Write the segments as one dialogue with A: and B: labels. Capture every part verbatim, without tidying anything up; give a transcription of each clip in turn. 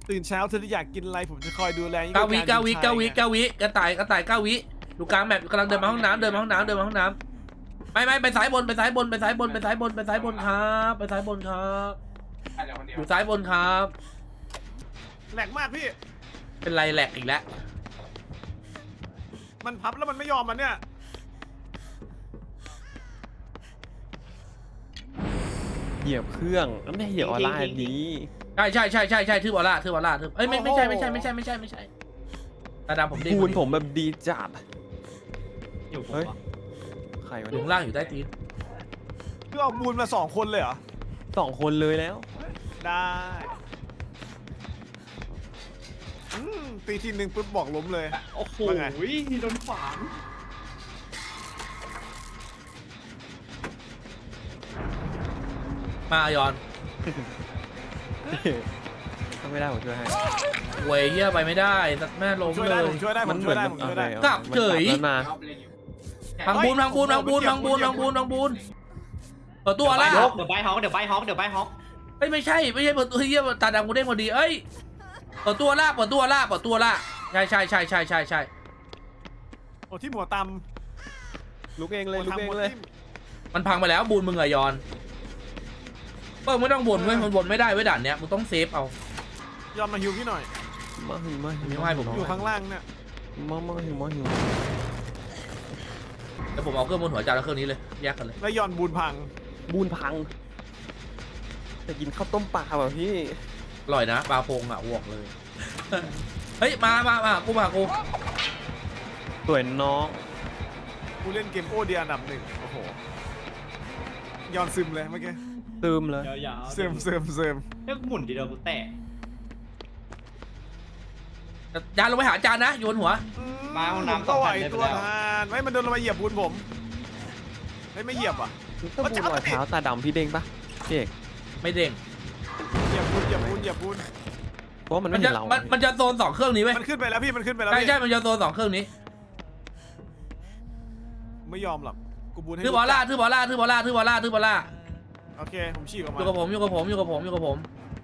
A: ตื่นเช้าเธอจะอยากกินอะไรผมจะคอยดูแล
B: เก้าวิเก้าวิเก้าวิเก้าวิกระต่ายกระต่ายเก้าวิดูกลางแมปกำลังเดินมาห้องน้ำเดินมาห้องน้ำเดินมาห้องน้ำไม่ไม่ไปซ้ายบนไปซ้ายบนไปซ้ายบนไปซ้ายบนไปซ้ายบนครับไปซ้ายบนครับอยู่ซ้ายบนครับ
A: แหลกมากพี่
B: เป็นไรแหลกอีกแล้ว
A: มันพับแล้วมันไม่ยอมมันเนี่ย
C: เหยียบเครื่องแล้วไม่เหยียบออร่าอันนี้
B: ใช่ใช่ใช่ใช่ใช่ทืบบอลล่าทืบบอลล่าทืบเอ้ยไม่ไม่ใช่ไม่ใช่ไม่ใช่ไม่ใช่ไม่ใช่ตาดำผมดี
C: คูณผมแบบดีจัด
D: อยู่ผม
C: เฮ้ย
D: วะ
C: ใครวะ
B: อยู่
C: เนี่ย
B: ข้างล่างอยู่ใต้ตีน
A: คือเอาบูนมาสองคนเลยเหรอ
C: สองคนเลยแล้ว
A: ได้อืมตีทีหนึ่งปุ๊บบอกล้มเลย
D: โอ้โห
A: ว่าไง
D: โดนขวาง
B: มายอน
C: ถ้าไม่ได้ผมช่วยให้
B: เวยเฮียไปไม่ได้ตัดแม่ล้ม
A: ช่วย
B: เล
A: ได้
B: ย
A: ผมช่วยได้ผมช่วยได้ผมช่วยได้
C: เอา
B: กลับเฉย
C: มันกลับแล้วมา
B: พังบูนพังบูนพังบูนพังบูนพังบูนพังบูนเปิดตัวละ
D: เดี๋ยวใบฮอกเดี๋ยวใบฮอกเดี๋ยวใบฮอก
B: เอ้ยไม่ใช่ไม่ใช่เปิดตัวเฮียตาดำกูเด้งพอดีเอ้ยเปิดตัวละเปิดตัวละเปิดตัวละใช่ใช่ใช่ใช่ใช่ใช่
A: โอ้ที่หัวต
C: ลุกเอง
A: ำ
C: เลยลุกเองเลย
B: มันพังไปแล้วบูนมึงอะยอนเปิ้ลไม่ต้องบ่นเว้ยมันบ่นไม่ได้เว้ยด่านเนี้ยมึงต้องเซฟเอา
A: ยอมมาฮิวพี่หน่อย
C: มาหิวมาหิว
B: ไม่ให้ผม
A: อยู่ข้างล่างเนี่ย
C: มามาหิวมาหิว
B: แล้วผมเอาเครื่องบนหัวจานแล้วเครื่องนี้เลยแยกกันเลย
A: แล้วยอนบูนพัง
C: บูนพังจะกินข้าวต้มปลาแบบพี่
B: อร่อยนะปลาโพงอะวอกเลย เฮ้ยมามามากูมากู
C: สวยน้อง
A: กูเล่นเกมโอเดียอันดับหนึ่งโอ้โหยอนซึมเลยเมื่อกี้
C: ซึมเลย
D: ยาวๆ
A: ซึมซึมซึม
D: เรียกหมุนทีเดียวกูแตะ
B: จานลงไปหาจานนะโยนหัว
A: อื
D: มาห้องน้ำ
A: ผมก็ไหว
D: สองพันได้ไป
A: ตัว
D: แล้ว
A: ทานไม่มันเดินลงมาเหยียบบูนผมไม่ไม่เหยียบอ่ะ
C: ถ้าบูนรอยเท้าตาดำพี่เด้งปะพี่เอก
B: ไม่เด้ง
A: เหยียบบูนเหยียบบูนเหยียบบูน
C: เพราะว่ามัน
B: มั
C: ไม่
B: น
C: เห็
B: จะ
C: นเรา
B: มันมันจะโซนสองเครื่องนี้เว้ย
A: มันขึ้นไปแล้วพี่มันขึ้นไปแล้ว
B: ใช่
A: พี่
B: ใช่มันจะโซนสองเครื่องนี้
A: ไม่ยอมหรอกกูบูนให้
B: ทือบอลล่าทือบอลล่าทือบอลล่าทือบอลล่าทือบอลล่า
A: โอเคผมฉีกออก
B: อ
A: มา
B: ยู่กับผมอยู่กับผมอยู่กับผมอยู่กับผม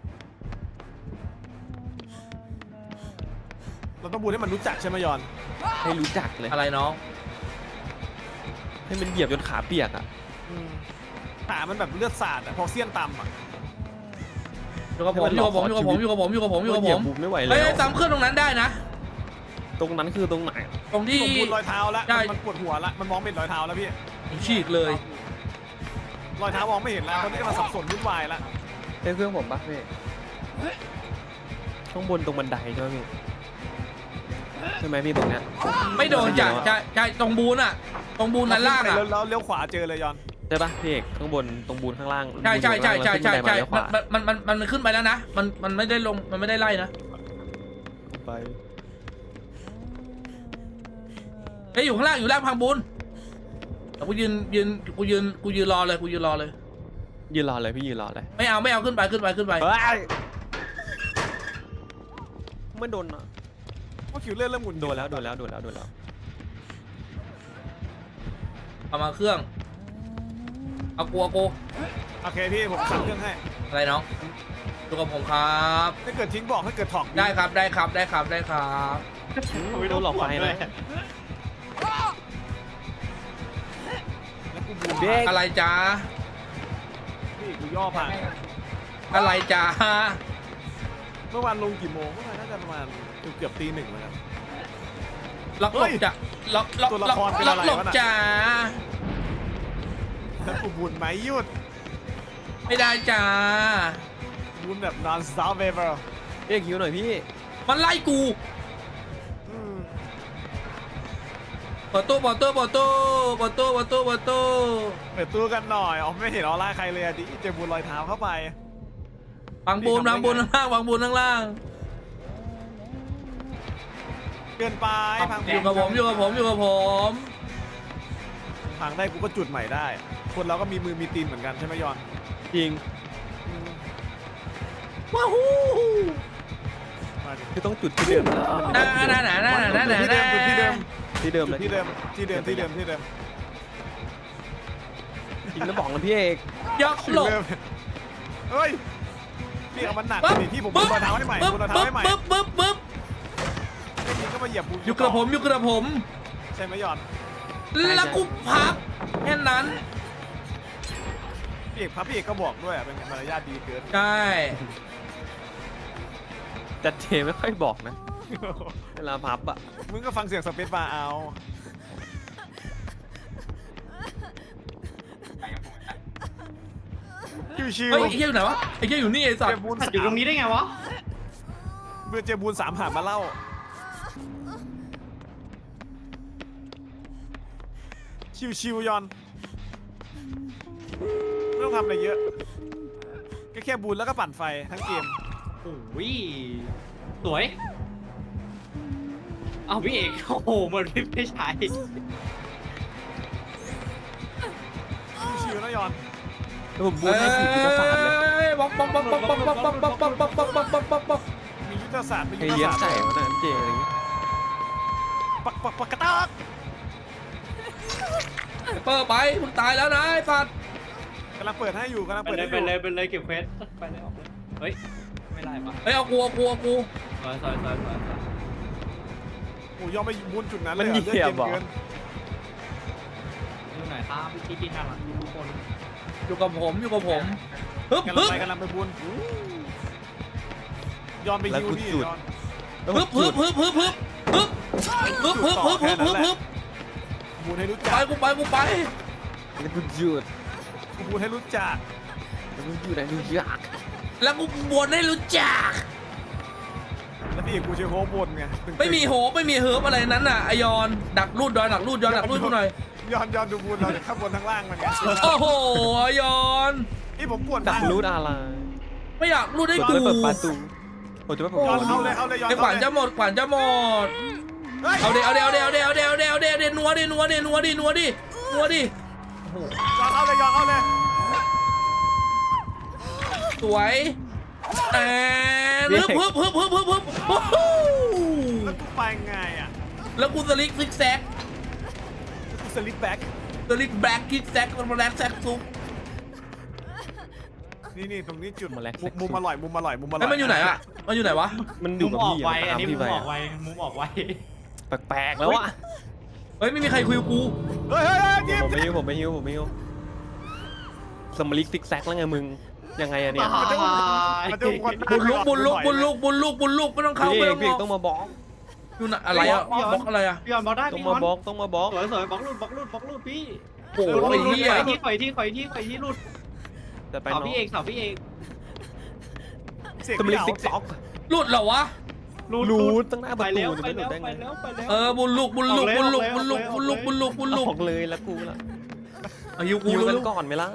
A: เราต้องบูนให้มันรู้จักใช่ไหมยอน
C: ให้รู้จักเลย
B: อะไรน้อง
C: ให้มันเหยียบจนขาเปียกอ่ะ
A: อืมขามันแบบเลือดสาดอะพอเสี้ยนต่ำอะ
B: อยู่กับผมอยู่กับผมอยู่กับผมอยู่กับผมอยู่กับผมอยู่กับ
C: เห
B: ผ
C: ยียบ
B: ม
C: บูมไม่ไหวแล้
B: เฮ้ยว ซ้ำเครื่องตรงนั้นได้นะ
C: ตรงนั้นคือตรงไหน
B: ตรงที่
A: ผมบูนรอยเท้าแล้ว
B: ใช่
A: มันปวดหัวละมันมองไม่เห็นรอยเท้าแล้วพี่
B: ฉีกเลย
A: รอยเท้ามองไม่เห็นแล้วตอนนี้กำลังสับสนวุ่นวายละ
C: ใช่เครื่องผมปะพี่ข้างบนตรงบันไดใช่ไหมพี่ใช่ไหมพี่ตรงเนี้ย
B: ไม่โดนจ้ะใช่ใช่ตรงบูนอะตรงบูนนั้นล่างอะ
A: แล้วเลี้ยวขวาเจอเลยยอน
C: ใช่ปะพี่เอกข้างบนตรงบูนข้างล่าง
B: ใช่ใช่ใช่ใช่ใช่ใช่
C: บูนอยู่ข้างล่างแล้วขึ้นบันไดมาเลี้ยวขวา
B: มันมันมันมันขึ้นไปแล้วนะมันมันไม่ได้ลงมันไม่ได้ไล่นะ
C: ไป
B: เฮ้ยอยู่ข้างล่างอยู่ล่างพังบูนแต่กูยืนยืนกูยืนกูยืนรอเลยกูยืนรอเลย
C: ยืนรอเลยพี่ยืนรอเลย
B: ไม่เอาไม่เอาขึ้นไปขึ้นไปขึ้นไป
C: เฮ้ยไม่โดนอะ
A: ว่าคิวเลื่อนเริ่มหมุน
C: โดนแล้วโดนแล้วโดนแล้วโดนแล้ว
B: เอามาเครื่องเอากูเอากู
A: โอเคพี่ผมสั่งเครื่องให้
B: อะไรน้องดูกับผมครับ
A: ถ้าเกิดทิ้งบอกถ้าเกิดถอก
B: ได้ครับได้ครับได้ครับได้ครับ
C: โดนหลอกไฟนะ
A: แล้วกูบูน
C: เด็ก
B: อะไรจ้า
A: พี่กูย่อผ่าน
B: อะไรจ้า
A: เมื่อวานลงกี่โมงเมื่อวานน่าจะประมาณเกือบตีหนึ่งแล้วนะ
B: ล็อกหลบจ้ะล็อกล็อก
A: ตัวละ
B: ล็อก
A: ครเป็น
B: ล็
A: อะ
B: อก
A: ไร
B: หลบ
A: วะน่ะ
B: จ้า
A: แล้วกูบูนไหมหยุด
B: ไม่ได้จ้า
A: บูนแบบ non stop ever
C: เรียกคิวหน่อยพี่
B: มันไล่กู
A: อืม
B: เปิดตู้เปิดตู้เปิดตู้เปิดตู้เปิดตู้เปิดตู้
A: เปิดตู้กันหน่อยอ๋อไม่เห็นออร่าใครเลยอะดิเจอบูนรอยเท้าเข้าไป
B: วางบูนวางบูนข้างล่างวางบูนข้างล่าง
A: เกินไปพัง
B: อยู่กับผมอยู่กับผมอยู่กับผม
A: พังได้กูก็จุดใหม่ได้ คนเราก็มีมือมีตีนเหมือนกันใช่ไหมยอน
C: จริง
B: ว้าวฮู้
A: มาดิ
C: คือต้องจุดที่เดิม
B: น่าน่าน่าน่าน่าน่า
A: ที่เดิมที่เดิม
C: ที่เดิมเลย
A: ที่เดิมที่เดิมที่เดิมที่เดิม
C: จริงแล้วบอกนะพี่เอก
B: ยกหลบ
A: เฮ้ยพี่พี่เอามันหนัก
B: ปึ๊บ
A: ดิพี่ผม
B: ปึ๊
A: บู
B: บ
A: นรองเท้าให้ใหม่
B: ปึ๊บ
A: บูนรองเท้า
B: ปึ๊บ
A: ให้ใหม่
B: ปึ๊บปึ๊บปึ๊บ
A: ไม่จริงก็มาเหยียบบูน
B: อยู่กระผมอยู่กระผม
A: ใช่ไหมยอน
B: แล้วกูพับแค่นั้น
A: พี่เอกพับพี่เอกก็บอกด้วยอะเป็นมารยาทดีเกิน
B: ใช่
C: แต่เจไม่ค่อยบอกนะเวลาพับอ่ะ
A: มึงก็ฟังเสียงสเปซบาร์เอาชิว
B: เฮ้ยไอ้เหี้ยอยู่ไหนวะไอ้เหี้ยอยู่นี่ไอ้
A: ๆ
B: สัต
A: เจ
B: ว์
A: บูน
D: อยู่ตรงนี้ได้ไงวะ
A: เบื่อเจบูนสามหามาเล่าชิวๆยอนไม่ต้องทำอะไรเยอะก็แค่บูนแล้วก็ปั่นไฟทั้งเกม
D: โอ้ยสวยเอาพี่เอกโอ้โหมันไม่ใช่
A: ชิวๆนะยอน
C: แล้วผมบูนให้สี่ยุทธศาสตร์เลย
B: เอ้ยบล็อกบล็อกบล็อกบล็อกบล็อกบล็อกบล็อกบล็อกบล็อกบล็อกบล็อกบล็อกบล็อกบล็อกบล็อก
A: มียุทธศาสตร์มี
C: ใคร
A: ยุทธ
C: เลี้ยง
A: ศาสตร์
C: ไก่วะนะเจอะไรอย่างงี้
A: ปักปักปักกระตาก
B: เปิดไปมึงตายแล้วนะไอ้สัตว์
A: กำลังเปิดให้อยู่กำลัง
D: ไป
A: เปิด
D: เล
A: ให้
D: ย
A: อ
D: ไป
A: ยู่
D: เลยไปเลยเก็บเควสไปเลยออกเลยเฮ้ยไม่ได้ปะ
B: เฮ้ยเอากูเอากูเอากู
D: ซอยซอยซอยซอย
A: โอ้ยอมไปบูนจุดนั้นเล
C: มัน
A: ย
C: เหยียบบอก
A: เกิน
D: ดูหน่อยครับพี่พี่น่ารักทุกคน
B: อยู่กับผมอยู่กับผมฮึบ
A: กำลั
B: ฮึ
A: ง
B: บ
A: ไปกำลังไปบูนยอมไปยูนี่ยอน
C: แล้ว
B: ฮึบฮึบฮึบฮึบฮึบฮึบฮึบฮึบฮึบฮึบฮึบฮึบ
A: บูนให้รู้
B: ไป
A: จัก
B: กูไปกูไป
C: แล้วกูหยุด
A: บูนให้รู้จัก
C: แล้วกูอยู่ไหนดูยาก
B: แล้วกูบนให้รู้จัก
A: แล้วพี่เอกกูเชียร์โฮบนไงตึงๆ
B: ไม่มีโหไม่มีเฮิร์บอะไรนั้นน่ะไอยอนดักรูดดอยดักรูดยอนดักรูดกูหน่อย
A: ยอนยอนดูบูนเราข้างบนทั้งล่างมันไง
B: โอ้โหไอยอน
A: นี่ผมปวด
C: ดักรูดอะไร
B: ไม่อยากรูดให้
C: เปิด
B: กู
C: เปิดประตูผมจะไม่เปิด
A: ย
C: ป
A: อน
C: ระตู
A: เข้าเลยเข้าเลยยอน
B: ไอ้ขวัญจะหมดขวัญจะหมด
A: เฮ้ย
B: เอาเดี๋ยวเอาเดี๋ยวเอาเดี๋ยวเอาเดี๋ยวเอาเดี๋ยวเอาเดี๋ยวเอาเดี๋ยวนัวดินัวดินัวดินัวดินัวดิ
A: ยอนเข้าเลยยอนเข้าเลย
B: สวยแอนฮึบฮึบฮึบฮึบฮึบฮึบโอ้โห
A: แล้วกูไปไงอ่ะ
B: แล้วกูสลิกซิกแซก
A: กูสลิปแบ็ก
B: สลิกแบล็กซิกแซกมันมาแลกแซกซุป
A: นี่นี่ตรงนี้จุด
C: มาแล้ว
A: มุมมุมอร่อยมุมอร่อยมุมอร่อย
B: ไอ้ยมันอยู่ไหนอะมันอยู่ไหนวะ
C: มันอ
D: มุ
C: ยู่
D: ม
C: กับ
D: ออก
C: พี่
D: ไว
C: อะ
D: อันนี้มุ
C: พี่
D: ม
C: ไป
D: ออกไวมุมออกไว
C: แปลกๆแล้วอะ
B: เฮ้ยไม่มีใครคุยกับกู
A: เฮ้ยเฮ้ยเฮ้ยยิ้ม
C: ผมไม่ฮิวผมไม่ฮิวผมไม่ฮิวสมลิกซิกแซกแล้วไงมึงยังไงอะเนี่ย
A: มันจะวน
B: บุญลุกบุญลุกบุญลุกบุญลุกบุญลุกไม่ต้องเข้า
C: พี่
B: ไม่
C: เอ
B: ต้อง
C: กพี่เอก
B: เข้า
C: ต้องมาบล็อก
B: อยู่ไหนอะไรอะบล็อกอะไรอะ
D: พี่ยอนบล็อกได้
C: ต้อง
D: พี่ย
C: มา
D: อน
C: บล็อกต้องมาบล็อก
D: สวยสวยบล็อกรูดบล็อกรูดบล็อกรูดพี่
B: โอ้โหไอ้เหี้ย
D: ข่อยที่ข่อยที่ข่อยที่ข่อยที่รูด
C: แต่ไป
D: เสา
C: น้อง
D: พี่เอกเสาพี่เอก
A: เสก
C: สมลิกซิก
A: เส
C: แซ
A: ก
C: ก
B: รูดเหรอวะ
C: รูดตั้งหน้าป
D: ไประ
C: ตู
D: แล้ว
C: จะ
D: ไป
C: ไม่หลุ
D: แล้
C: ด
D: ว
C: ได้
D: ไป
C: ไง
D: แล้วไปแล้ว
B: เออบุญลุกบุญลุกบุญลุกบุญลุกบุญลุกบุญลุกบุญลุก
C: ออกเลยแล้วกูล่ะ
B: อายุกู
C: ฮิว
B: เร็
C: กัน
B: ว
C: ก่อนไหมล่ะ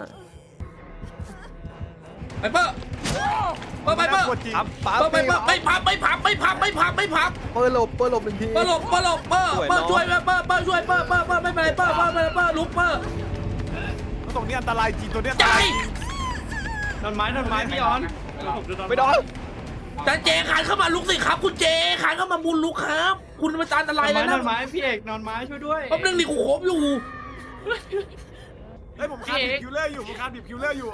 B: ไปเปอร์เปอร์ไปเปอร์
A: กดจริง
C: ปั๊บปั๊บ
B: เปอร์ไปเปอร์ไม่พับไม่พับไม่พับไม่พับไม่พับ
C: เปิดหลบเปิดหลบหนึ่งที
B: เปอร์หลบเปอร์หลบเปอร์เปอร์ช่วยเปอร์เปอร์เปอร์ช่วยเปอร์เปอร์เปอร์ไม่เป็นไรเปอร์เปอร์เปอร์เปอร์ลุกเปอร์
A: ตรงนี้อันตรายจริงตัวเนี้ยอัน
B: ใจ
A: ตราย
D: โดนไม้โดนไม้พี่ยอน
C: ไม่โดน
B: จานเจขานเข้ามาลุกสิครับคุณเจขานเข้ามาบุญลุกครับ คุณมาจานอะไร
D: นอน
B: แล้ว
D: ไม้
B: นะ
D: นอนไม้พี่เอกนอนไม้ช่วยด้วย
B: แป๊บนึงดิกูโคบอยู่
A: เฮ้ยผมคาดดิบคิวเลอร์อยู่ผมคาดดิบคิวเลอร์อยู่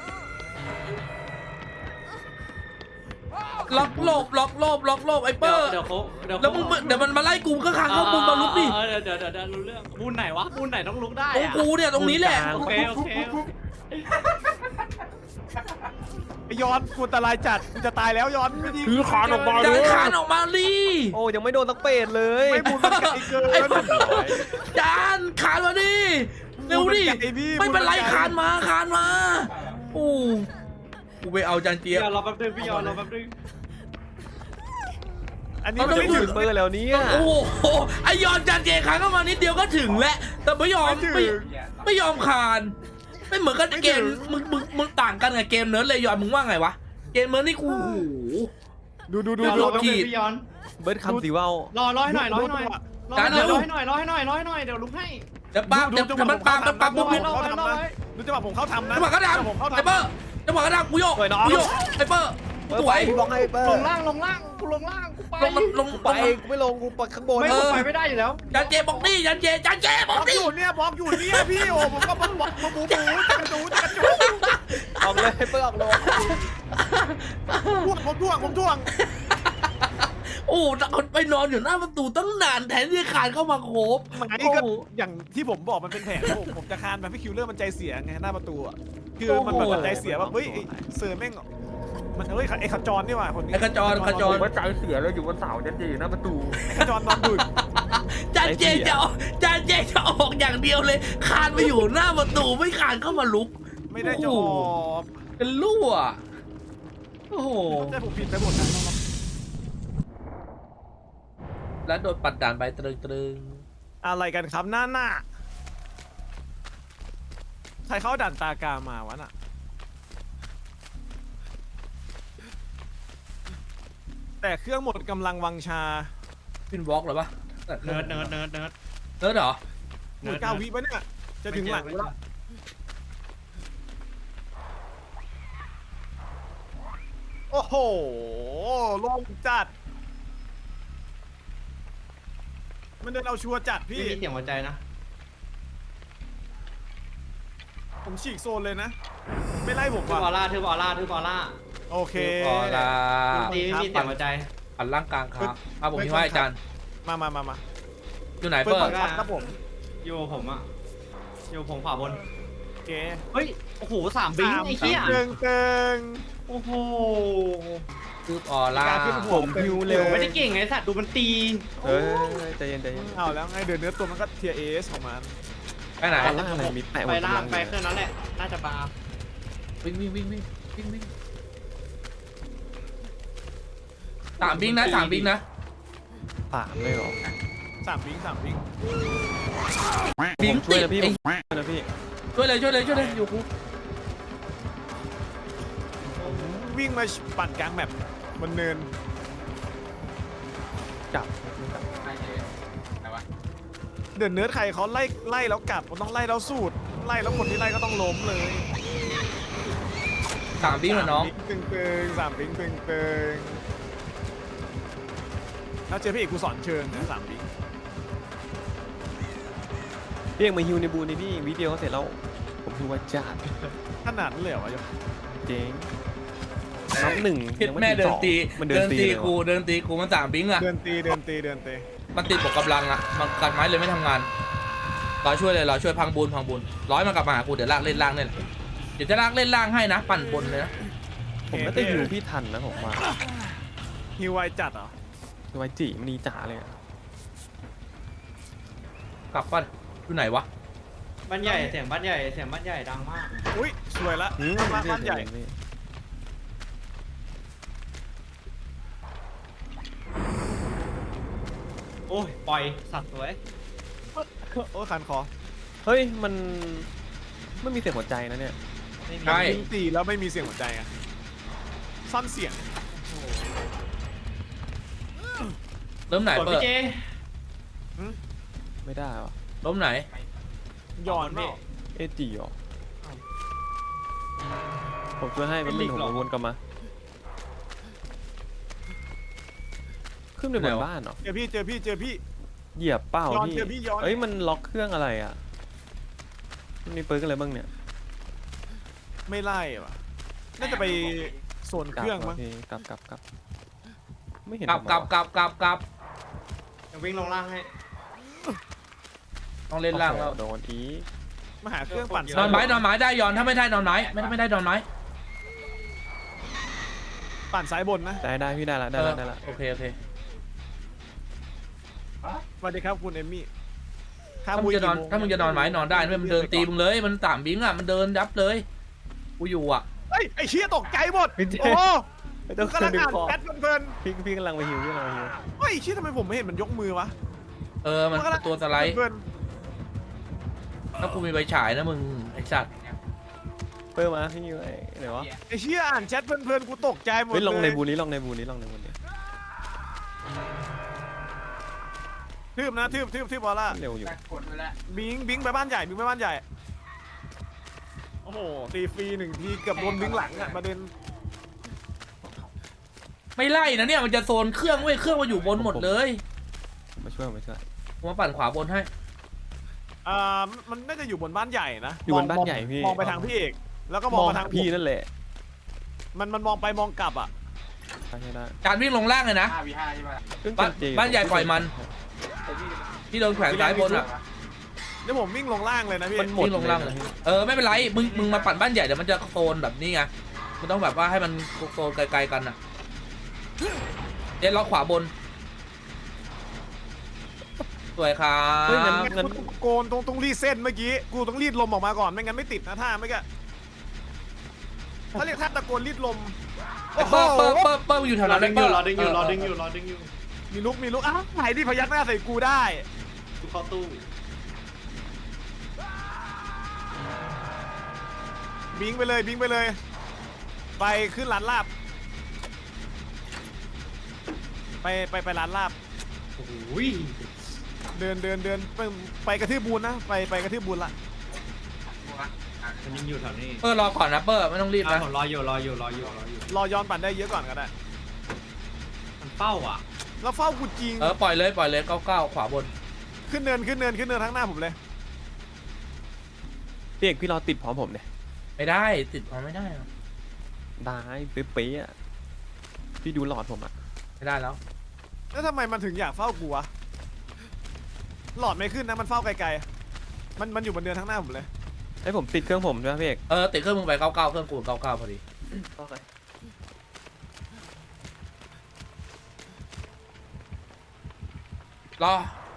B: ล็อกโลบล็อกโลบล็อกโลบไอ้เปอร์
D: เดี๋ยวเขาเดี๋ยว
B: แล้วมึงเดี๋ยวมันมาไล่กูก็ขานเข้าบุญมาลุกดิ
D: เดี๋ยวเดี๋ยวเดี๋ยวรู้เรื่องบูนไหนวะบูนไหนต้องลุกได้
B: ตรง
D: อะ
B: กูเนี่ยตรงนี้แหละ
D: โอเคโอเค
A: ไอยอนกูอันตรายจัดกูจะตายแล้วยอนไม่ดี
C: คือขานออกมา
B: จานขานออกมาดิ
C: โอ้ยังไม่โดนสักเป็ดเลย
A: ไม่บูนมันไกลเกิน
B: ไอ้เปอร์จานขานมาดิเร็วดิไม่เป็นไรขานมาขานมาโอ้กูไปเอาจานเจี๊
D: พี่
B: ย
D: ย
B: บ
D: อนรอแป๊บนึงพี่ยอนรอแป๊บนึง
A: อันนี้มันไม่ถึง
C: เปิดแล้วเนี่ย
B: โอ้โหไอยอนจานเจขานเข้ามานิดเดียวก็ถึงแล้วแต่ไม่ยอม
A: ไม่ถึง
B: ไม่ไม่ยอมขานไม่เหมือนกันเกมมึงมึงมึงต่างกันกับเกมเนิร์ดเลยยอนมึงว่าไงวะเกมเนิร์ดนี่กูโอ้โห
A: ดูดูดู
D: พี่ยอน
A: ดู
D: รอแป๊บนึงพี่ยอน
C: เบิร์ดคำสีว่าว
D: รอรอให้หน่อยรอให้หน่อยรอให้หน่อยรอให้หน่อยรอให้หน่อยรอให้หน่อยเดี๋ยวลุกให้
B: เดี๋ยวปั๊บเดี๋ยวถ้ามันปั๊บมันปั๊บปุ๊บ
A: ผ
B: ปุ๊บ
A: มเข้าทำนะดูจังหวะผมเข้าทำนะ
B: จังหวะกระดัง
A: ผมเข้า
B: ไอ้
A: ทำ
B: เปอร์จังหวะกระดังกูโยกกูโยกไอ้เปอร์สวย
C: พี่บอกให้เปิด
D: ลงล่างลงล่างกูลงล่างกูไป
B: ลงลง
C: ไปกูไม่ลงกูไปข้างบน
D: ไม่กูไปไม่ได้อยู่แล้ว
B: จานเจบอกนี่จานเจจานเจบบ อ
A: อก ก
B: นี่
A: อยู่เนี่ยบอกอยู่เนี่ยพี่โอ้ผมก็บอกบอกมาบูบูจะกระจูจะกระจู
C: ออกเลยเปิดออกลง
A: ท่วงผมท่วงผมท่วง
B: โอ้แต่คนไปนอนอยู่หน้าประตูตั้งนานแทนที่จะคานเข้ามาโคบ
A: หมายก็อย่างที่ผมบอกมันเป็นแผนผมผมจะคานแบบพี่คิวเลอร์มันใจเสียไงหน้าประตูอ่ะคือมันแบบใจเสียแบบเฮ้ยเสือแม่งมันเฮ้ยไอ้ขจรนี่หว่าคนนี้
B: ไอ้ขจรขจร
C: ว่าใจเสียแล้วอยู่บนเสาจะจีหน้าประตู
A: ไอ้ขจรนอนดึก
B: จานเจจะออกจานเจจะออกอย่างเดียวเลย คานไปอยู่หน้าประตูไม่คานเข้ามาลุก
A: ไม่ได้จะออก
B: เป็นรั่วโอ้โห
A: ใจผมผิดไปหมดนะ
B: แล้วโดนปัดด่านไปตรึงตรึง
A: อะไรกันครับหน้าหน้าใครเข้าด่านตากามาวะน่ะแต่เครื่องหมดกำลังวังชา
B: ฟินวอล์กเหรอปะ
D: เนิร์ดเนิร์ดเนิร์ดเนิร์ด
B: เนิร์ดเหรอ
A: หมดเก้าวิปะเนี่ยจะถึงหลังแล้วโอ้โหโล่งจัดมันเดินเอาชัวร์จัด
D: พี่
A: พี่
D: มีเสียงหัวใจนะ
A: ผมฉีกโซนเลยนะ ไม่ไล่ผม
D: ทืบออ
A: ว่ะ
D: ร่าทืบออร่าทืบออร่า
A: โอเค
B: พอละ
D: ตีไม่มีเสียงหัวใจ
B: ปัดล่างกลางครับเอาผมมีว่าอาจารย์
A: มามามามา
B: อยู่ไหน
A: เปิด
B: เปิ
A: บั
B: ด
A: งคับครับผม
D: อยู่ผมอะอยู่ผมขวาบน
A: โอเค
D: เฮ้ย โอ้โหสามบิงไอ้เหี้ย
A: เติงเติง
D: โอ้โห
B: คือออร่า
A: การขึ้นหัว
C: ผมฮิวเร็ว
D: ไม่ได้เก่งไงสัตว์ดูมันตี
C: เฮ้ยใจเย็นใจเย็น
A: เอาแล้วไงเดินเนื้อตัวมันก็เทียเอสของมัน
B: ไปไหน
C: ตอนล่างอะไรมีแปะ
D: ไปล่างไปเครื่องนั้นแหละ น่าจะบาร์
B: วิ่งวิ่งวิ่งวิ่งวิ่งวิ่งสามบิงนะสามบิงนะ
C: ปากเลยเหรอ
A: สามวิงสามวิง
B: บิง
C: ผมช่วย
B: ติด
C: นะพี่
B: ไอ้
C: ผมช่วยนะพี่
B: ช่วยเลยช่วยเลยช่วยเลยอยู่กู
A: วิ่งมาปั่นกลางแมปบนเนิน
C: จับ
A: เดินเนื้อใครเขาไล่ไล่แล้วกลับมันต้องไล่แล้วสูตรไล่แล้วคนที่ไล่ก็ต้องล้มเลย
B: สามบิงเหรอน้อง
A: ตึงตึงสามวิงตึงตึงแล้วเจอพี่เอกกูสอนเชิงนะสามวิง
C: พี่เองมาฮิวในบูนี่พี่วิดีโอเขาเสร็จแล้วผมฮิวว่าจัด
A: ขนาดนั้นเลยเหรอวะย
C: เจ๊งนับหนึ่ง
B: เฮ็ด
C: ยังไม่
B: แม่
C: ถึง
B: เดิ
C: ส
B: น
C: อง
B: ตี
C: มันเดิ
B: เดิ
C: น
B: น
C: ตี
B: ตี
C: เลย
B: กู
C: ว่ะ
B: เดินตีกูมันสามบิงอะ
A: เดินตีเดินตีเดินตี
B: มันติดบวกกำลังอะมันกัดไม้เลยไม่ทำงานรอช่วยเลยรอช่วยพังบุญพังบุญร้อยมากลับมาหากูเดี๋ยวลากเล่นล่างเนี่ยแหละเดี๋ยวจะลากเล่นล่างให้นะ ปั่นบนเลยนะ
C: ผมน่าจะฮิวพี่ทันนะผมว่า
A: ฮิวไวจัดเหรอ
C: คือไว้จีมันนีจ๋าเลยอะ
B: กลับป่ะอยู่ไหนวะ
D: บ้านใหญ่เสียงบ้านใหญ่เสียงบ้านใหญ่ดังมาก
A: อุ้ยสวยละ
C: อืม
A: บ้านบ้านใหญ่
C: พี่
D: โอ้ยปล่อยสัตว์สวย
A: โอ้ยคันคอ
C: เฮ้ยมันไม่มีเสียงหัวใจนะเนี่ย
D: ไม่มี
B: ใช่
A: ยิงตีแล้วไม่มีเสียงหัวใจอะซ่อนเสียง
B: เริ่มไหน
D: สวย
B: เปิ
D: พี่
B: ด
D: เจ
C: ไม่ได้วะ
B: เริ่มไหน
A: ย้อนเปล่า
C: เอจีเหรอผมช่วยให้มันมีผมวนกลับมาขึ้นไปบนบ้านเหรอ
A: เจอพี่เจอพี่เจอพี่
C: เหยียบเป้า
A: ย้อน
C: พี่
A: เจอพี่ย้อน
C: เอ้ยมันล็อกเครื่องอะไรอ่ะมันมีเปิร์กอะไรบ้างเนี่ย
A: ไม่ไล่ว่ะน่าจะไปโซน
C: ก
A: เค
C: ลับ
A: รื่อง
C: เหร
A: มั้ง
C: พี่กลับกลับกลับไม่เห็น
B: กลับ
C: ผม
B: กลับ
C: เหรอก
B: ลับกลับกลับ
D: เดี๋ยววิ่งลงล่างให้
B: ต้องเล่นล่างแล้ว
C: โอ้โหโดนอีก
A: มาหาเครื่องปั่น
B: นอนไม้นอนไม้ได้ยอนถ้าไม่ได้นอนไม้ไม่ไม่ได้นอนไม้
A: ปั่นสายบนนะ
C: ได้ได้พี่ได้ละได้ละได้ละ
B: โอเคโอเค
A: สวัสดีครับคุณเอมมี่
B: ถ้ามึงจะนอนถ้ามึงจะนอนไม้นอนได้ไม่มันเดินตีมึงเลยมันสามบิงอ่ะมันเดินยับเลยกูอยู่อ่ะ
A: เฮ้ยไอ้เชี่ยตกใจหมด
C: พี่เจ
A: โอ้โห
C: ไม่ต้อง
A: กำลัง
C: ดึง
A: อ่าน
C: คอ
A: แชทเพลิน
C: พี่พี่กำลังไปฮิวพี่กำลังไปฮิว
A: ๆเฮ้ยเชี่ยทำไมผมไม่เห็นมันยกมือวะ
B: เออมันตัวสไลด์
A: เพลิน
B: ถ้ากูมีใบฉายนะมึงไอ้สัตว์
C: เปิร์มาพี่ไอ้ไหนวะ
A: ๆไอ้เชี่ยอ่านแชทเพลินๆกูตกใจหมด
C: เฮ้ยลองใน
A: เลย
C: บูนี้ลองในบูนี้ลองในบูนี้
A: ทืบนะทืบทืบทืบบอลล่า
C: เร็วอยู่
A: บิงบิงไปบ้านใหญ่บิงไปบ้านใหญ่โอ้โหตีฟรีหนึ่งทีเกือบโดนบิงหลังอ่ะประเด็น
B: ไม่ไล่นะเนี่ยมันจะโซนเครื่องเว้ยเครื่องมันอยู่บนหมดเลย
C: ผมมาช่วยผมมาช่วย
B: ผมมาปั่นขวาบนให้
A: อ่ามันน่าจะอยู่บนบ้านใหญ่นะ
C: อยู่บนบ้าน
A: มง
C: ใหญ่พี่
A: มองไปทางพี่เอกแล้วก็มองมาทางผม
C: พี่นั่นแหละ
A: มันมันมองไปมองกลับอ่ะ
C: ใช่ได้
B: จานวิ่งลงล่างเลยนะ
D: ห้าวีห้าใช่ไหม
C: ซึ่ง
B: บ้าน
C: เจ
B: บ้านใหญ่ปล่อยมัน ที่โดนแขวนซ้ายบนอ่ะ
A: เดี๋ยวผมวิ่งลงล่างเลยนะพี่
C: มันหมด
B: วิ่งลงล่างเลย
C: นะ
B: เออไม่เป็นไรมึงมึงมาปั่นบ้านใหญ่เดี๋ยวมันจะโซนแบบนี้ไงมันต้องแบบว่าให้มันโซนไกลๆกันอ่ะเดี๋ยวล็อกขวาบนสวยครั
C: เฮ้ยงั้น
B: บ
C: งั้น
A: กูโกนตรงตรงรีดเส้นเมื่อกี้กูต้องรีดลมออกมาก่อนไม่งั้นไม่ติดนะท่าไม่ก็เขาเรียกท่าตะโกนรีดลม
B: ไอ้เปิ้ลเปิ้ลเปิ้ลเปิ้ลอยู่แถวนั้น
E: ดึงอยู่รอดึงอยู่
B: เ
E: รอดึงอยู่รอดึงอยู่
A: มีลุกมีลุกอ้าวไหนที่พยักหน้าใส่กูได้
E: กูเข้าตู้
A: บิงไปเลยบิงไปเลย ไปขึ้นร้านลาบ ไปไปไปร้านลาบ
E: โอ้ย
A: เดินเดินเดินไปไปกระทืบบูนนะไปไปกระทืบบูนละ
E: มันยังอยู่แถวนี้
B: เปิ้ลรอก่อนนะเปิ้ลไม่ต้องรีบ
E: อ่ะ
B: นะ
E: ผมรออยู่รออยู่รออยู่รออยู่
A: รอย้อนปั่นได้เยอะก่อนก็ได้
E: มันเป้าอ่ะ
A: แล้วเฝ้ากูจริง
B: เออปล่อยเลยปล่อยเลยเก้าเก้าขวาบน
A: ขึ้นเนินขึ้นเนินขึ้นเนินทั้งหน้าผมเลย
C: พี่เอกพี่รอติดพร้อมผมเนี่ย
B: ไม่ได้ติดเอาไม่ได้หรอก
C: ได้เป๊ะๆอ่ะพี่ดูหลอดผมอ่ะ
B: ไม่ได้แล้ว
A: แล้วทำไมมันถึงอยากเฝ้ากูวะหลอดไม่ขึ้นนะมันเฝ้าไกลๆมันมันอยู่บนเนินทั้งหน้าผมเลย
C: ให้ผมติดเครื่องผมใช่ไหมพี่เอก
B: เออติดเครื่องมึงไปเก้าเก้าเครื่องกูเก้าเก้าพอดีรอ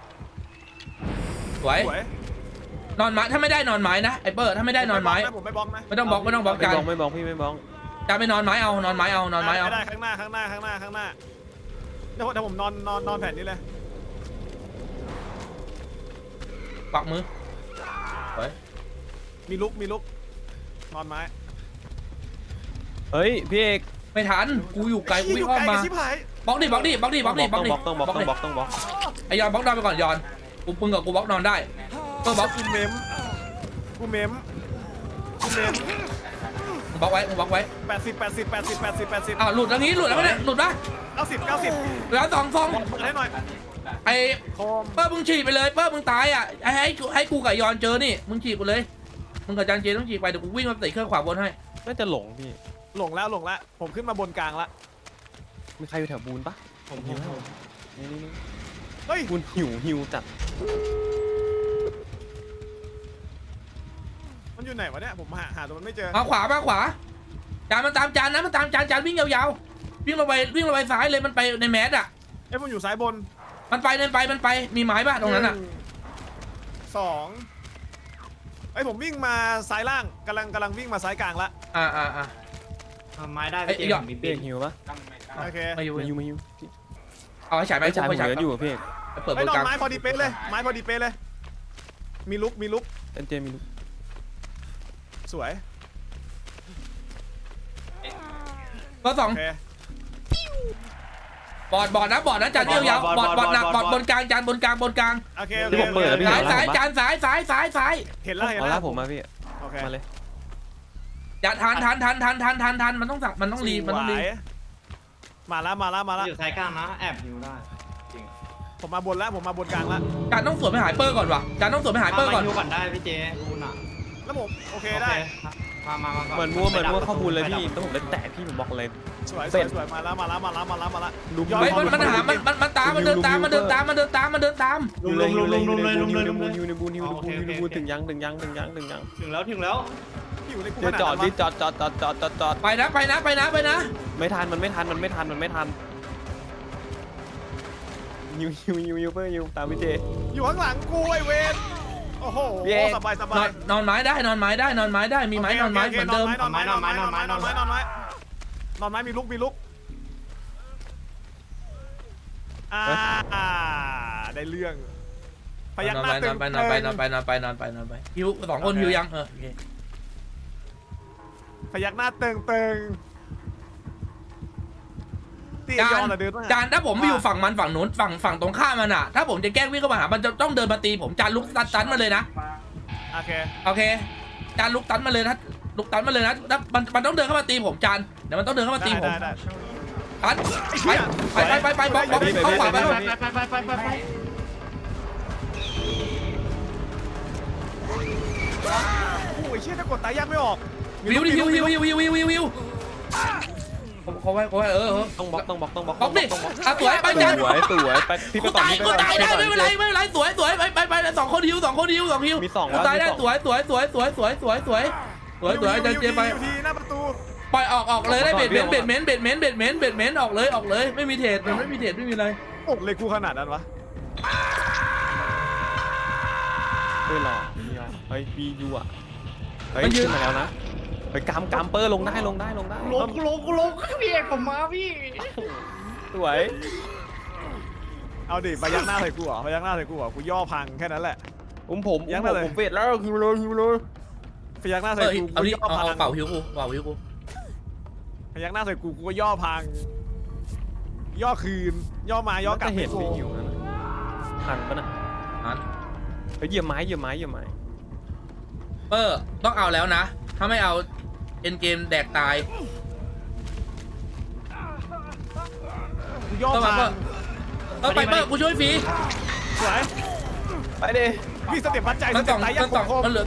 B: สวย
A: สวย
B: นอนไม้ถ้าไม่ได้นอนไม้นะไอ้เปิ้ลถ้าไม่ได้นอนไม้
A: ผมไม่บล็อกนะ
B: ไม่ต้องบล็อกไม่ต้องบล็อก
C: ไม่
B: จาน
C: บ้องไม่บ้องพี่ไม่บ้อง
B: จานไปนอนไม้เอานอนไม้เอานอนไม้เอา
A: ไม่ได้ข้างหน้าข้างหน้าข้างหน้าข้างหน้าเดี๋ยวผมเดี๋ยวผมนอนนอนนอนแผ่นนี้เลย
B: ปักมือสวย
A: มีลุกมีลุกนอนไม้
C: เฮ้ยพี่เอก
B: ไม่ทันกูอยู่ไกลกู
A: อ
B: วิ่ง
A: ยู่
B: อ้อ
A: ไก
B: ม
A: ล
B: มา
A: กับชิบหาย
B: บล็อกดิบล็อกดิบล็อกดิบล็อกดิบล็อกดิ
C: ต้องบล็อกต้องบล็อกต้องบล็อกต้องบล็อก
B: ไอยอนบล็อกนอนไปก่อนยอนกูปึงกับกูบล็อกนอนได้เปิ้ลบล็อก
A: กูเมมกูเมมกูเมม
B: มึงบล็อกไว้มึงบล็อกไว้
A: แปดสิบแปดสิบแปดสิบแปดสิบแปดสิบ
B: อ้าวหลุดแล้วงี้หลุดแล้วเนี่ยหลุดปะ
A: เก้าสิบเก้าสิบ
B: แล้วสองฟอง
A: บอกเปิดให้หน่อย
B: ไอ้
A: โคม
B: เปิ้ลมึงฉีกไปเลยเปิ้ลมึงตายอ่ะให้ให้กูให้กูกับยอนเจอนี่มึงฉีกกูเลยมึงกับจานเจต้องฉีกไปเดี๋ยวกูวิ่งมาติดเครื่องขวาบนให้
C: น่าจะหลงพี่
A: หลงแล้วหลงแล้วผมขึ้นมาบนกลางละ
C: มีใครอยู่แถวบูนปะ
E: ผมผมผม
C: นี่นี่นี่
A: เฮ้ย
C: บูนหิวหิวจัด
A: มันอยู่ไหนวะเนี่ยผมหาหาตัวมันไม่เจอ
B: มาขวามาขวาจานมันตามจานนะมันตามจานจานวิ่งยาวๆวิ่งลงไปวิ่งลงไปซ้ายเลยมันไปในแมสอ่ะ
A: เอ้ยผมอยู่ซ้ายบน
B: มันไปเดินไปมันไปมีไม้ป่ะตรงนั้นอ่ะ
A: หสองไอ้ยผมวิ่งมาซ้ายล่างกำลังกำลังวิ่งมาซ้ายกลางละ
B: อ่าอ่าอ่า
E: ทำไม้ได้
B: เอ้ย
E: พี่
B: หยอด
E: เจผมมี
C: พี่
E: ปี
C: เอก กหิวปะ
A: โอเค
B: มาอยู่
C: มาหิวมาหิว
B: เอาให้ฉายไป
C: ไม่จ่ายผม
B: ไป
C: เห
B: ฉาย
C: ลืออยู่อะพี่เอก
B: ไปเปิดบ
A: ไอ้ย
B: น
A: นอก
B: ลาน ง
A: ไม้พอดีเป๊ะเลยไม้พอดีเป๊ะเลย มีลุกมีลุก
C: เอ็นเจมีลูก
A: สวย
B: ก็สอง
A: โอเค
B: บอดบอดนะบอดนะจานยาวๆบอดบอดหนักบอดบนกลางจานบนกลางบนกลาง
A: โอเคโอเค
C: ที่ผมเปิดแล้วพี่
B: สา
C: เห็
B: ย
C: น
B: สาย
C: แล้ว
B: จานสายสายสายสาย
A: เห็นแล้วเห็น
C: เอา
A: แล้
C: ละ
A: ว
C: ผมมาพี่
A: โอเค
C: มาเลย
B: อย่าทันทันทันทันทันทันทันมันต้องสักมันต้องรีมันต้องรี
A: สวยมาแล้วมาแล้วมาแล้ว
E: อยู่ซ้ายกลางนะแอบอยู่ได้จริง
A: ผมมาบนแล้วผมมาบนกลางแล้ว
B: จานต้องสวนไปหายเปอร์ก่อนว่ะจานต้องสวนไปหายเปอร์ก่อน
E: มาฮิวก่อนได้พี่เจคุณอ่ะ
A: แล้วผมโอเคได้
E: มามามาก่อน
C: เหมือนมัวเหมือนมัวข้อมูลเลยพี่ต้องผมได้แตะพี่ผมบอกเลย
A: สวยส
C: เสร็
A: วย
C: จ
A: สวยมาแล้วมาแล้วมาแล้วมาแล้วมาแล้ว
C: ลุม
A: ยอด
B: เฮ้ย
A: ข
B: มัน
A: อบ
B: มันหามันมันมันตามมันเดินตามมันเดินตามมันเดินตามมันเดินตาม
E: ลุมลุมลุมลุมลุมเลยลุมเลยลุมเลย
C: ฮิวในบูนฮิวในบูนฮิวในบูนถึงยังถึงยังถึงยังถึงยัง
E: ถึงแล้วถึงแล้ว
A: อยู่ในกู
C: เดี๋ยวจอดดิจอดจอดจอดจอดจอดจอด
B: ไปนะไปนะไปนะไปนะ
C: ไม่ทันมันไม่ทันมันไม่ทันมันไม่ทันฮิวฮิวฮิวฮิวเพื่อฮิวตามพี่เจ
A: อยู่ข้างหลังกูไอเวนโอ้โห
C: เย้
A: สบายส
B: น
A: บา
B: อย นนอนไม้ได้นอนไม้ได้นอนไม้ได้มีไม้นอนไม้เหมือนเดิม
A: นอนไม้นอนไม้นอนไม้นอนไม้นอนไม้นอนไม้มีลุกมีลุกอ่าได้เรื่องพยัก
B: นอน
A: หน้า
B: ไป
A: ตึ
B: นอง นไปนอนไปนอนไปนอนไปนอนไปนอนไปฮิวสองคนฮิวยังเออโอเค
A: พยักหน้าตึงตึงตี
B: จาย
A: อน นเดิน
B: จานถ้าผมไปอยู่ฝั่งมันฝั่งนู้นฝั่งฝั่งตรงข้ามมันอ่ะถ้าผมจะแกล้งวิ่งเข้ามาหามันจะต้องเดินมาตีผมจานลุกตันตันมาเลยนะ
A: โอเค
B: โอเคจานลุกตันมาเลยนะลุกตันมาเลยนะแล้วมันมันต้องเดินเข้ามาตีผมจานเดี๋ยวมันต้องเดินเข้ามาตี
A: ได้
B: ผม
A: ได้ได้
B: ตันไปไปไปไปไปบล็อกบล็อกเข้าขวาไป
E: ไปไปไปไปไปไป
A: โอ้ยเชี่ยถ้ากดตายยากไม่ออก
B: วิวดิวิววิววิววิววิววิวเขาไว้เขาไว้เออเออ
C: ต้องบล็อกต้องบล็อกต้องบล็อก
B: บล็อกดิ
C: ต้องบล็อก
B: อ่ะสวยไปจัน
C: สวยสวยไปพี่ไป
B: กู
C: ก่อน
B: ตาย
C: พี่ไป
B: กู
C: ก่อน
B: ตายได้ไม่เป็นไรไม่เป็นไรสวยสวยไปไปไปสองคนฮิวสองคนฮิวสองฮิว
C: มีสอง
B: กูตายได้
C: มีสอง
B: สวยสวยสวยสวยสวยสวยสวยสวยสวยจันเจไป
A: อยู่ที่หน้าประตู
B: ปล่อยออกออกเลยได้เบ็ดเม้นเบ็ดเม้นเบ็ดเม้นเบ็ดเม้นเบ็ดเม้นออกเลยออกเลยไม่มีเทรดมันไม่มีเทรดไม่มีอะไร
A: โอ้เลยกูขนาดนั้นวะ
C: เฮ้ยหล่อเฮ้ยปียูอ่ะเฮ้ยขึ้นมาแล้วนะไปกามกามเปอร์ลงได้ลงได้ลงได้
E: ลงกูลงกูลงพี่เอกผมมาพี่
C: สวย
A: เอาดิไปยักหน้าใส่กูเหรอไปยักหน้าใส่กูเหรอกูย่อพังแค่นั้นแหละ
C: ผมผม
A: ยัง
C: ผ
A: ไม่
C: ม
A: เลย
C: ผมเฟดแล้วฮิวเลยฮิวเลย
A: ไปยักหน้า
B: เอ
A: ใส่
B: อ
A: กู
B: เอา
A: กู
B: ดิ
A: ย่อ
B: เอา
A: พั
B: เอา
A: ง
B: เป่าฮิวกูเป่าฮิวกู
A: ไปยักหน้าใส่กูกูก็ย่อพัง ย่อคืน ย่อมาย่อกลับ
C: จะเห็น
A: กู
C: ไม่หิวนะทันปะนะ
B: นั้น
C: เฮ้ยเหยียบไม้เหยียบไม้เหยียบไม้
B: เปอร์ต้องเอาแล้วนะถ้าไม่เอาเอ็นเกมแดกตาย
A: กูย่อ
B: ต้องมา
A: พั
B: เปอง ร์ต้องไปเปอร์กูช่วยฟรี
A: สวย
C: ไปดิ
A: พี่สเต็ปวัดใจส
B: มันส
A: เต็
B: อ
A: ป
B: ง
A: ตายยั
B: มั
A: ง
B: นสอง
A: โคม
B: มันเหลือ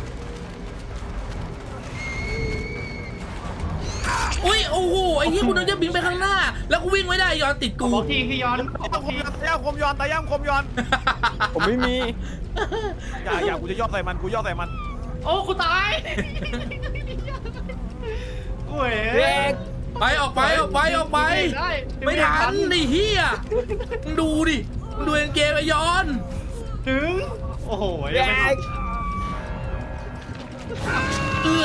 B: อุ้ยโอ้โหไอ้ที่กูนึกจะบินไปข้างหน้า แล้วกูวิ่งไม่ได้ย้อนติดกู
E: บล็อกทีพี่ย้อนบล็อก
A: คม
E: ที
A: ย้อนตายย่ำคมย้อนตายย่ำคมย้อน
C: ผมไม่มี
A: อย่าอย่ากูจะย่อใส่มันกูย่อใส่มัน
E: โอ้กูตายโอ้ย
C: เด็ก
B: ไปออกไปออกไปออกไป
E: ได้
B: ไม่ทันไอ้เฮียมึงดูดิมึงดูเอ็นเกมไอ้ย้อน
E: ถึงโอ้โห
C: เด็ก
B: เอื้อ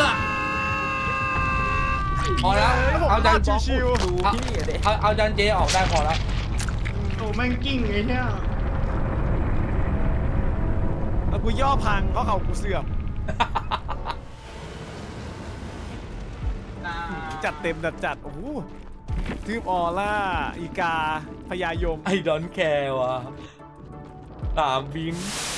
B: พอแล้วเอาจาน
A: ชิว
C: ดูพี่เด็ก
B: เอาเอาจานเจออกได้พอแล้ว
E: โอ้แม่งกิ้งไอ้เนี่ย
A: ๆแล้วกูย่อพังเพราะเขากูเสื่อมจัดเต็มจัดจัดโอ้โหทืบออร่าอีกาพญายม
B: ไอ้ดอนแคร์ว่ะตามบิง
A: เ